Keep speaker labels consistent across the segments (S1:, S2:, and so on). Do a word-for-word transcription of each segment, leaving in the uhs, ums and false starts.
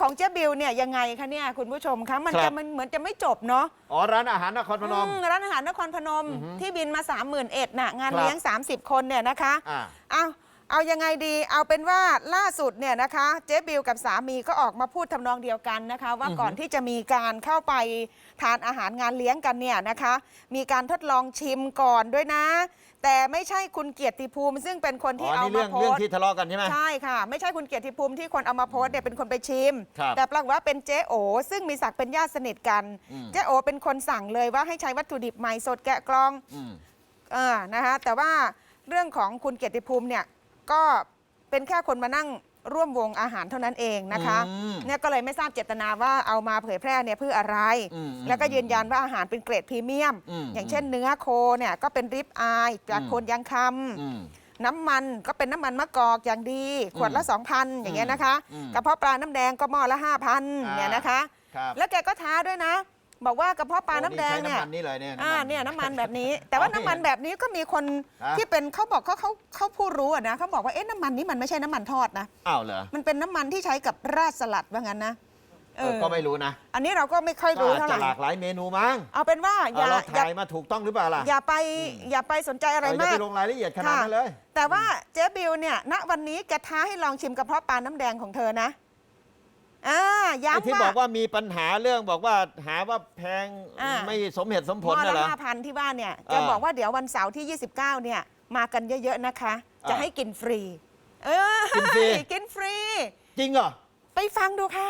S1: ของเจ๊บิวเนี่ยยังไงคะเนี่ยคุณผู้ชมคะมันจะมันเหมือนจะไม่จบเนาะ
S2: อ๋อร้านอาหารนครพนม
S1: ร้านอาหารนครพนมที่บินมา สามหมื่นเอ็ด น่ะงานเลี้ยงสามสิบคนเนี่ยนะคะเอาเอายังไงดีเอาเป็นว่าล่าสุดเนี่ยนะคะเจ๊บิวกับสามีก็ออกมาพูดทำนองเดียวกันนะคะว่าก่อนที่จะมีการเข้าไปทานอาหารงานเลี้ยงกันเนี่ยนะคะมีการทดลองชิมก่อนด้วยนะแต่ไม่ใช่คุณเกียรติภูมิซึ่งเป็นคนที่เอามาโพสต์
S2: เรื่องที่ทะเลาะกันใช่ไหม
S1: ใช่ค่ะไม่ใช่คุณเกียรติภูมิที่คนเอามาโพสต์เนี่ยเป็นคนไปชิมแต่ปรากฏว่าเป็นเจ๊โอซึ่งมีศักดิ์เป็นญาติสนิทกันเจ๊โอเป็นคนสั่งเลยว่าให้ใช้วัตถุดิบใหม่สดแกะกลองเออนะคะแต่ว่าเรื่องของคุณเกียรติภูมิเนี่ยก็เป็นแค่คนมานั่งร่วมวงอาหารเท่านั้นเองนะคะเนี่ยก็เลยไม่ทราบเจตนาว่าเอามาเผยแพร่เนี่ยเพื่ออะไรแล้วก็ยืนยันว่าอาหารเป็นเกรดพรีเมียมอย่างเช่นเนื้อโคเนี่ยก็เป็นริบอายจากโคนยางคำน้ำมันก็เป็นน้ำมันมะกอกอย่างดีขวดละ สองพัน อย่างเงี้ยนะคะกระเพาะปลาน้ำแดงก็หม้อละ ห้าพัน เนี่ยนะคะแล้วแกก็ท้าด้วยนะบอกว่ากระเพาะปลาน้ำแดงเนี่ย
S2: น้ำมันนี่เลยเนี่ย
S1: อ่าเนี่ยน้ำมันแบบนี้แต่ว่าน้ำมันแบบนี้ก็มีคนที่เป็นเขาบอกเขาเขาเขาผู้รู้อะนะเขาบอกว่าเอ๊ะน้ำมันนี้มันไม่ใช่น้ำมันทอดนะ
S2: อ้าวเหรอ
S1: มันเป็นน้ำมันที่ใช้กับราดสลัดว่างั้นนะ
S2: เออก็ไม่รู้นะ
S1: อันนี้เราก็ไม่ค่อยรู้เท่าไหร่
S2: หลากหลายเมนูมั้ง
S1: เอาเป็นว่าอย่า
S2: เราถ่ายมาถูกต้องหรือเปล่าล่ะ
S1: อย่าไปอย่าไปสนใจอะไรมาก
S2: อย่าไปลงรายละเอียดขนาดนั้นเลย
S1: แต่ว่าเจ๊บิวเนี่ยณวันนี้แกท้าให้ลองชิมกระเพาะปลาน้ำแดงของเธอนะอ่าย้ำว่า
S2: ที่บอกว่ามีปัญหาเรื่องบอกว่าหาว่าแพงไม่สมเหตุสมผล
S1: น่ะ
S2: เหรอ
S1: ห้าพันที่บ้านเนี่ยแกบอกว่าเดี๋ยววันเสาร์ที่ยี่สิบเก้าเนี่ยมากันเยอะๆนะคะจะให้กินฟรีเออ
S2: กินฟรี
S1: กินฟรี
S2: จริงเหรอ
S1: ไปฟังดูค่ะ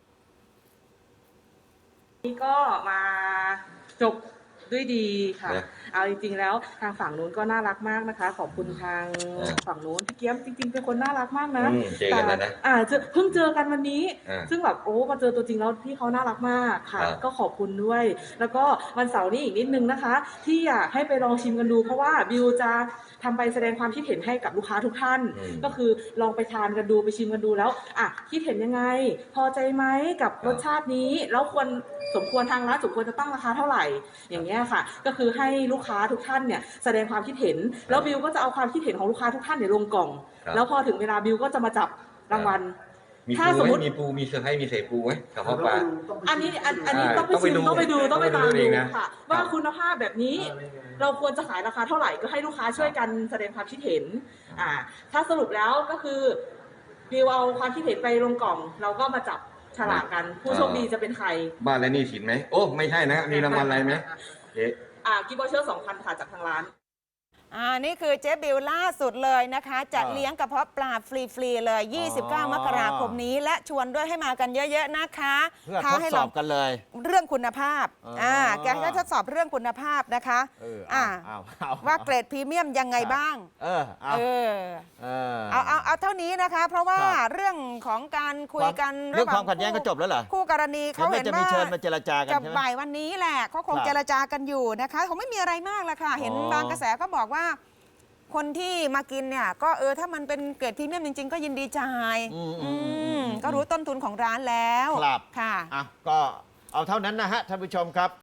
S3: นี่ก็มาจบด้วยดีค่ะเอาจริงๆแล้วทางฝั่งนู้นก็น่ารักมากนะคะขอบคุณทางฝั่งนู้นพี่เกี๊ยมจริงๆเป็นคนน่ารักมากนะ
S4: แต่
S3: อ่าเพิ่งเจอกันวันนี้ซึ่งแบบโอ้มาเจอตัวจริงแล้วพี่เขาน่ารักมากค่ะก็ขอบคุณด้วยแล้วก็วันเสาร์นี้อีกนิดนึงนะคะที่อยากให้ไปลองชิมกันดูเพราะว่าบิวจะทำไปแสดงความคิดเห็นให้กับลูกค้าทุกท่านก็คือลองไปทานกันดูไปชิมกันดูแล้วอ่ะคิดเห็นยังไงพอใจไหมกับรสชาตินี้แล้วควรสมควรทางร้านสมควรจะตั้งราคาเท่าไหร่อย่างเงี้ยค่ะก็คือให้ลูกค้าทุกท่านเนี่ยแสดงความคิดเห็นแล้วบิวก็จะเอาความคิดเห็นของลูกค้าทุกท่านเนี่ยลงกล่องแล้วพอถึงเวลาบิวก็จะมาจับรางวัล
S4: ถ้าสมมติมีปูมีเซอร์ไพรส์มีเศษปูไหมกับพ่อปลา
S3: อันนี้อันนี้ต้องไปชิมต้องไปดูต้องไปตามดูค่ะว่าคุณภาพแบบนี้เราควรจะขายราคาเท่าไหร่ก็ให้ลูกค้าช่วยกันแสดงความคิดเห็นอ่าถ้าสรุปแล้วก็คือบิวเอาความคิดเห็นไปลงกล่องเราก็มาจับฉลากกันผู้โชคดีจะเป็นใคร
S4: บ้านและนี่สินไหมโอ้ไม่ใช่นะมีรางวัลอะไรไหมเอ๊ะ
S3: อ่ากิฟต์วอเชอร์สองพันค่ะจากทางร้าน
S1: อ่านี่คือเจ๊บิวล่าสุดเลยนะคะจะเลี้ยงกระเพาะปลาฟรีๆเลยยี่สิบเก้ามกราคมนี้และชวนด้วยให้มากันเยอะๆนะคะ
S2: เพื่อทดสอบกันเลย
S1: เรื่องคุณภาพอ่าแกก็ทดสอบเรื่องคุณภาพนะคะอ่าว่าเกรดพรีเมียมยังไงบ้าง
S2: เออเอา
S1: เอาเอาเอาเท่านี้นะคะเพราะว่าเรื่องของการคุยกัน
S2: เรื่องความขัดแย้งก็จบแล้วเหรอ
S1: คู่กรณีเขาเห็นว่า
S2: จะมีเชิญมาเจรจากัน
S1: จะบ่ายวันนี้แหละเขาคงเจรจากันอยู่นะคะเขาไม่มีอะไรมากละค่ะเห็นบางกระแสก็บอกว่าคนที่มากินเนี่ยก็เออถ้ามันเป็นเกรดพรีเมียมจริงๆก็ยินดีจ่ายก็รู้ต้นทุนของร้านแล้ว
S2: ครับ
S1: ค่ะ
S2: อ่ะก็เอาเท่านั้นนะฮะท่านผู้ชมครับ